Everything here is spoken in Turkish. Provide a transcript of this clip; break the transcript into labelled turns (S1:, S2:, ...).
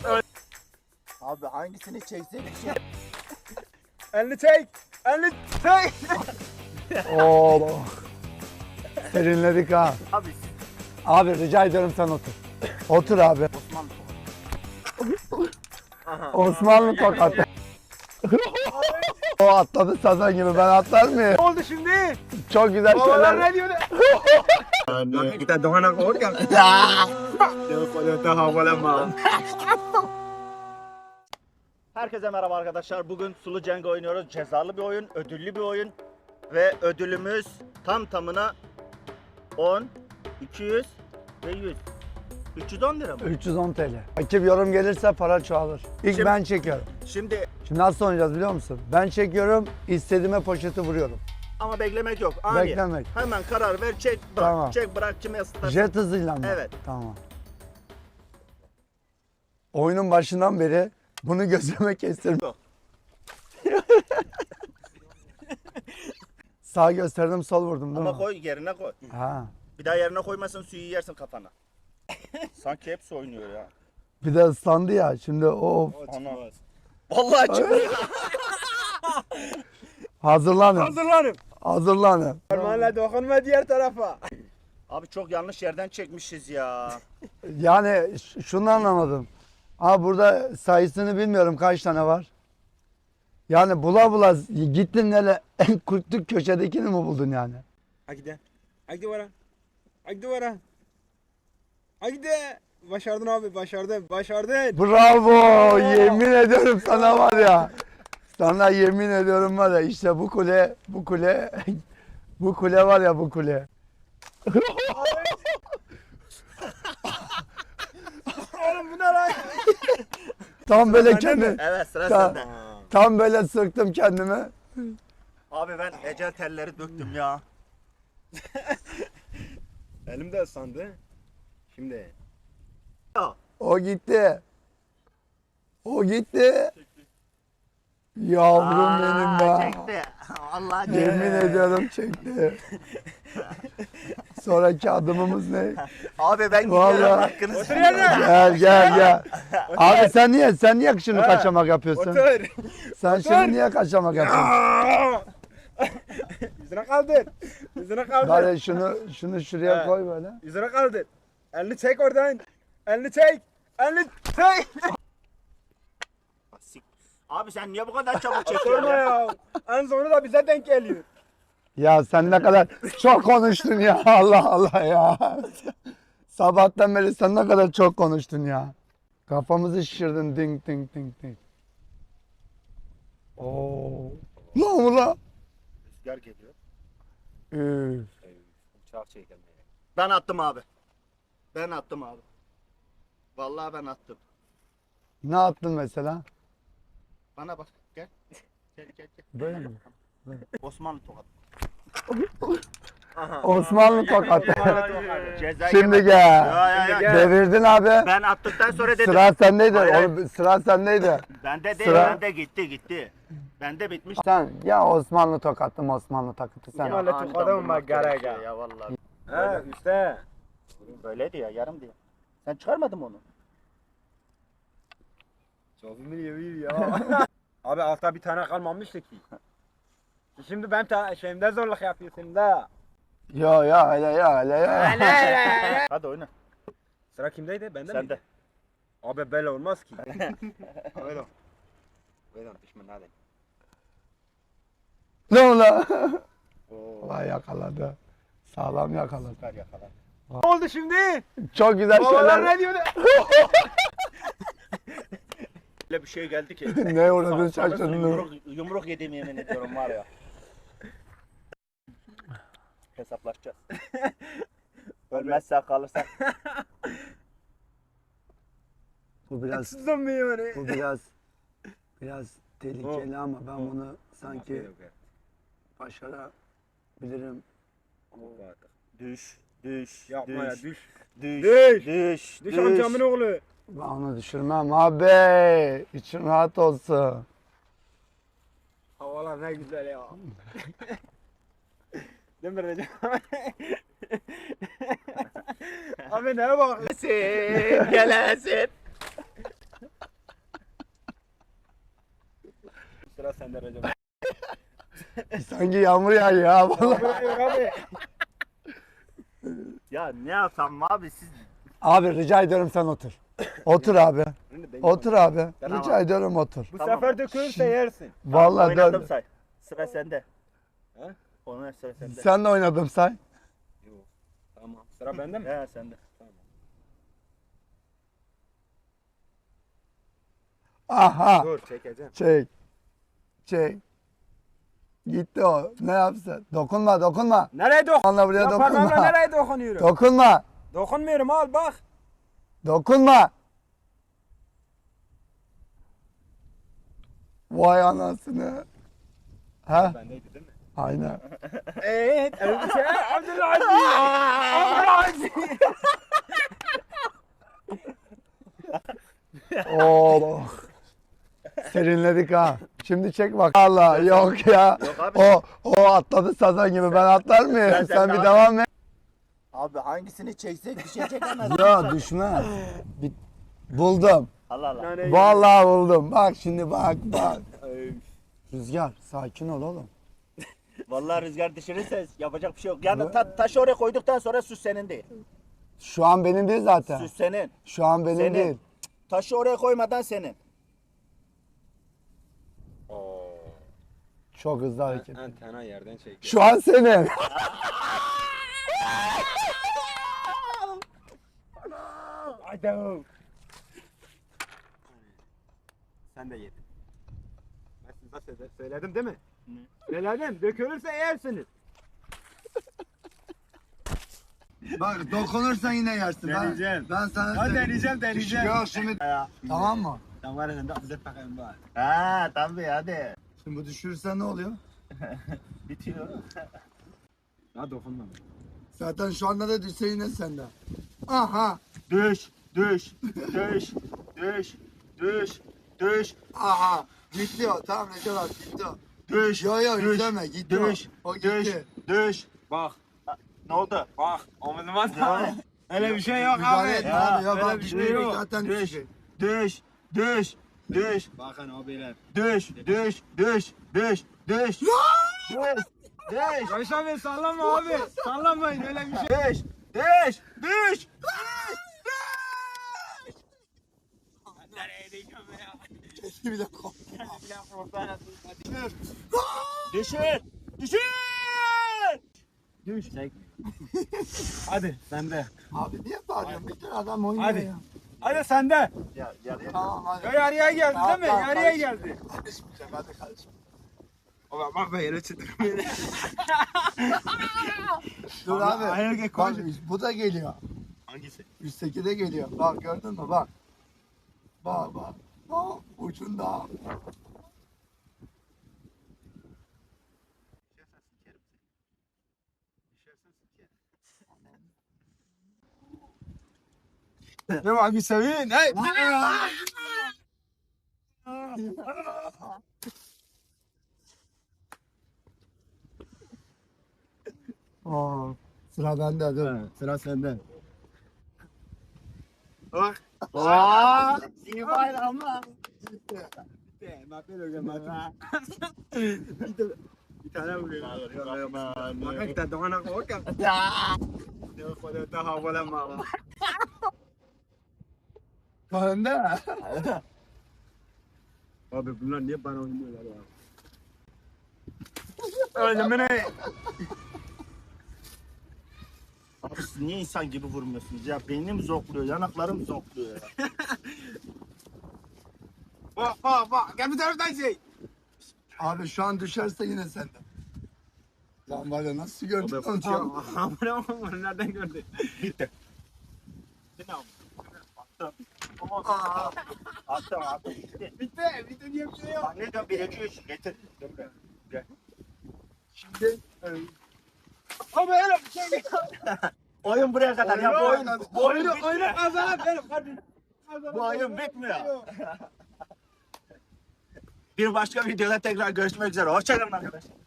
S1: Abi hangisini çeksek şey.
S2: Elini çek. Elini çek.
S3: Oo. Serinledik ha.
S1: Abi
S3: Abi rica ediyorum sen otur. Otur abi.
S1: Osmanlı
S3: Osmanlı tokatı. O atladı sazan gibi, ben atlar mıyım?
S2: Ne oldu şimdi?
S3: Çok güzel
S2: Babalar
S3: şeyler.
S2: ne diyor?
S1: Kita doon ang organ. Herkese merhaba arkadaşlar. Bugün Sulu Cenk oynuyoruz. Cezalı bir oyun, ödüllü bir oyun. Ve ödülümüz tam tamına 10, 200 ve 100. 310 lira mı?
S3: 310 TL. Rakip yorum gelirse para çoğalır. İlk
S1: Şimdi-
S3: ben çekiyorum.
S1: Şimdi
S3: Şimdi nasıl oynayacağız biliyor musun? Ben çekiyorum, istediğime poşeti vuruyorum.
S1: ama beklemek yok. Ani.
S3: Beklemek.
S1: Hemen karar ver, çek bırak.
S3: Tamam.
S1: Çek bırak, kime ısıtarsın.
S3: Jet hızıyla mı?
S1: Evet.
S3: Tamam. Oyunun başından beri bunu gözüme kestirdim. Sağ gösterdim, sol vurdum değil
S1: Ama
S3: mi?
S1: koy, yerine koy.
S3: Ha.
S1: Bir daha yerine koymazsan suyu yersin kafana. Sanki hepsi oynuyor ya.
S3: Bir de ıslandı ya. Şimdi o
S1: Ana. Vallahi çıkıyor.
S3: hazırlanın.
S2: Hazırlanın.
S3: Hazırlanın.
S2: Parmağınla dokunma diğer tarafa.
S1: Abi çok yanlış yerden çekmişiz ya.
S3: Yani şunu anlamadım. Abi burada sayısını bilmiyorum kaç tane var. Yani bula bula gittin hele en kurtluk köşedekini mi buldun yani?
S2: Haydi. Haydi vara. Haydi vara. Haydi. Başardın abi, başardın. Başardın.
S3: Bravo! Yemin ediyorum sana var ya. Sana yemin ediyorum var ya, işte bu kule, bu kule, bu kule var ya, bu kule.
S2: Oğlum bu ne lan?
S3: Tam böyle
S2: Sende
S3: kendi,
S2: mi?
S1: Evet sıra
S3: Ta-
S1: sende.
S3: tam böyle sıktım kendime.
S1: Abi ben ecel telleri döktüm ya.
S2: Elim de ıslandı. Şimdi.
S3: O gitti. O gitti. Yavrum benim be.
S1: Çekti. Allah çekti.
S3: Yemin ediyorum çekti. Sonraki adımımız ne?
S1: Abi ben
S3: Vallahi.
S1: gidiyorum hakkınızı.
S2: Otur yerine.
S3: Gel. Abi sen niye şimdi kaçamak yapıyorsun?
S2: Otur.
S3: Sen şimdi niye kaçamak yapıyorsun?
S2: Yüzüne kaldır. Yüzüne kaldır.
S3: Bari şunu şuraya
S2: Evet.
S3: koy böyle.
S2: Yüzüne kaldır. Elini çek oradan. Elini çek. Elini çek.
S1: Abi sen niye bu kadar çabuk
S2: Sorma
S1: çekiyorsun ya?
S2: ya. En sonu da bize denk geliyor.
S3: Ya sen ne kadar çok konuştun ya. Allah Allah ya. Sabahtan beri sen ne kadar çok konuştun ya. Kafamızı şişirdin ding ding ding ding. Oo. Lan ulan.
S1: Rüzgar geliyor.
S3: Üf.
S2: Uçak çekilmeye.
S1: Ben attım abi. Ben attım abi. Vallahi ben attım.
S3: Ne yaptın mesela?
S1: Bana bak gel. Gel.
S3: Böyle mi?
S1: Osmanlı tokat.
S3: Osmanlı tokatı.
S1: Ceza
S3: Şimdi
S1: yemedim.
S3: gel.
S1: Ya.
S3: Devirdin abi.
S1: Ben attıktan sonra dedim.
S3: Sıra sendeydi.
S1: Hayır.
S3: Oğlum, sıra sendeydi.
S1: Bende değil,
S3: Sıra-
S1: bende gitti. Bende bitmiş.
S3: Sen ya Osmanlı tokattım, Osmanlı takıtı sen.
S2: Ya. Öyle
S1: aniden
S2: tokadı mı
S1: vurmak
S2: garega?
S1: gerekiyor Ya vallahi.
S2: He işte.
S1: Böyleydi ya, yarım diye. Sen çıkarmadın mı onu?
S2: Çok iyi ya. Abi altta bir tane kalmamıştı ki. Şimdi ben şeyimde zorluk yapıyorsun da.
S3: Ya hele.
S1: Hadi oyna.
S2: Sıra kimdeydi? Bende mi?
S1: Sende.
S2: Abi böyle olmaz ki. Böyle. Böyle pişman hadi.
S3: Ne ola?
S1: Oo.
S3: Vay yakaladı. Sağlam yakaladı.
S1: Süper yakala.
S2: Ne oldu şimdi?
S3: Çok güzel
S2: Babalar
S3: şeyler.
S2: ne diyor?
S1: Öyle bir şey geldi ki.
S3: Ne uğradın şaşırdın.
S1: Yumruk yediğim yemin ediyorum var ya. Hesaplaşacağız. Ölmezsek kalırsak.
S3: Bu biraz
S2: Haksızım mı yani?
S3: bu biraz tehlikeli ama ben bunu sanki başarabilirim.
S1: Düş.
S2: Yapma ya düş.
S1: Düş.
S2: Düş amcamın oğlu.
S3: Ben onu düşürmem abi. İçin rahat olsun.
S2: Havalar ne güzel ya. Değil mi Recep? Abi neye bak?
S1: Gelesin.
S2: sıra sende Recep.
S3: Sanki yağmur yağıyor ya vallahi.
S2: Buraya abi.
S1: Ya ne yapsam abi siz?
S3: Abi rica ediyorum sen otur. Otur abi. Otur abi.
S1: Tamam.
S3: Rica ediyorum otur.
S2: Bu
S1: Tamam.
S2: sefer dökülürse yersin.
S3: Vallahi
S1: Oynadım
S3: dön.
S1: say. Sıra sende.
S2: He?
S1: Ona sıra sende.
S3: Sen de oynadım say.
S2: Yok. Tamam. Sıra bende mi?
S1: He sende.
S2: Tamam.
S3: Aha.
S2: Dur çekeceğim.
S3: Çek. Çek. Gitti o. Ne yapsın? Dokunma dokunma.
S2: Nereye dokun?
S3: Vallahi buraya
S2: Ya parmağımla
S3: dokunma.
S2: nereye dokunuyorum?
S3: Dokunma.
S2: Dokunmuyorum al bak.
S3: Dokunma. Vay anasını. Ha?
S2: Bendeydi değil mi?
S3: Aynen.
S2: Evet. Abdülaziz. Abdülaziz.
S3: Oh. Serinledik ha. Şimdi çek bak. Allah yok ya.
S1: Yok abi.
S3: O atladı sazan gibi. Ben atlar mıyım?
S1: Ben
S3: Sen bir
S1: devam-
S3: devam et.
S1: Abi hangisini çeksek bir şey çekemez.
S3: Ya düşmez. Buldum.
S1: Allah Allah.
S2: Yani-
S3: Vallahi buldum. Bak şimdi bak.
S2: Ay,
S3: Rüzgar sakin ol oğlum.
S1: Vallahi rüzgar düşürürse yapacak bir şey yok. Yani taşı oraya koyduktan sonra süs senin değil.
S3: Şu an benim değil zaten.
S1: Süs senin.
S3: Şu an benim
S1: Senin.
S3: değil.
S1: Taşı oraya koymadan senin.
S2: Oo.
S3: Çok hızlı hareket.
S2: Antena yerden çekiyor.
S3: Şu an senin.
S2: Haydi. Sen de yedin. Ben size söyledim değil mi? Söyledim. Dökülürse yersiniz.
S3: Bak dokunursan yine yersin.
S2: Deneyeceğim.
S3: Ben sana
S2: Hadi deneyeceğim.
S3: Yok şimdi. Tamam mı?
S2: Sen var elinde bize bakayım bari.
S1: Ha tabii hadi.
S3: Şimdi bu düşürürsen ne oluyor?
S1: Bitiyor.
S2: Ha dokunma.
S3: Zaten şu anda da düşse yine sende. Aha.
S1: Düş, düş, düş, düş, düş, düş,
S3: Aha. Gitti o. Tamam Recep abi gitti o.
S1: düş.
S3: Yo yo
S1: düş,
S3: izleme gitti
S1: düş,
S3: o. O
S1: düş,
S3: gitti.
S1: düş.
S2: Bak.
S1: Ne oldu?
S2: Bak. Omuzuma
S1: Ya.
S2: Öyle bir şey yok
S3: Müdahale
S2: abi.
S3: etme abi. Yok
S2: öyle
S3: abi
S2: bir şey
S3: düşmeyecek
S2: yok.
S3: zaten
S1: Düş,
S3: düşecek.
S1: düş, düş, düş,
S2: Bakın abiler.
S1: düş, düş, düş, düş, düş. Düş, düş,
S2: Barış abi sallama abi. Sallamayın öyle bir şey.
S1: düş, düş, düş.
S2: Nereye diyeceğim ya?
S3: Keşke bir de kork.
S1: Düşür, düşür.
S2: Düş. Hadi sende.
S3: Abi niye bağırıyorsun? Bir tane adam oynuyor
S2: Hadi.
S3: ya.
S2: Hadi sende.
S1: Ya, ya,
S3: Tamam hadi.
S2: Ya yarıya geldi
S3: Tamam,
S2: değil mi?
S3: tamam,
S2: Yarıya
S3: karışma.
S2: geldi.
S3: Karışmayacağım hadi karışma.
S2: Baba bak be yere çıtırmıyor.
S3: Dur
S2: Ama
S3: abi.
S2: ayağa gel,
S3: Bak
S2: koy.
S3: bu da geliyor.
S1: Hangisi?
S3: Üstteki de geliyor. Bak gördün mü bak. Bak bak. Bak ucunda.
S2: Ne var bir sevin? Hey.
S3: Aa, sıra bende dur.
S2: Sıra sende.
S1: Bak. Aa, iyi bayramlar.
S2: Bak böyle bir tane vuruyor. Bak kita doğana korkak. Ne kadar daha bulama.
S3: Bende.
S2: Abi bunlar niye bana oynuyorlar ya? Öyle mi ne?
S1: Abi siz niye insan gibi vurmuyorsunuz ya? Beynim zonkluyor, yanaklarım zonkluyor ya.
S2: Bak gel bir taraftan şey.
S3: Abi şu an düşerse yine sende. Lan var ya nasıl gördün onu tam?
S2: Bunu nereden gördün?
S1: Bitti. Bitti ne oldu? Attım.
S3: Aa,
S1: Attım. Bitti.
S2: Bitti diye bir şey yok.
S1: Bak ne diyorum? 1, 2, 3. Getir. Gel.
S3: şimdi
S2: Abi öyle bir şey yok.
S1: Oyun buraya kadar ya. Bu oyun
S2: Oyunu
S1: bitmiyor.
S2: kazanalım hadi.
S1: Bu oyun bitmiyor. Bir başka videoda tekrar görüşmek üzere. Hoşçakalın arkadaşlar.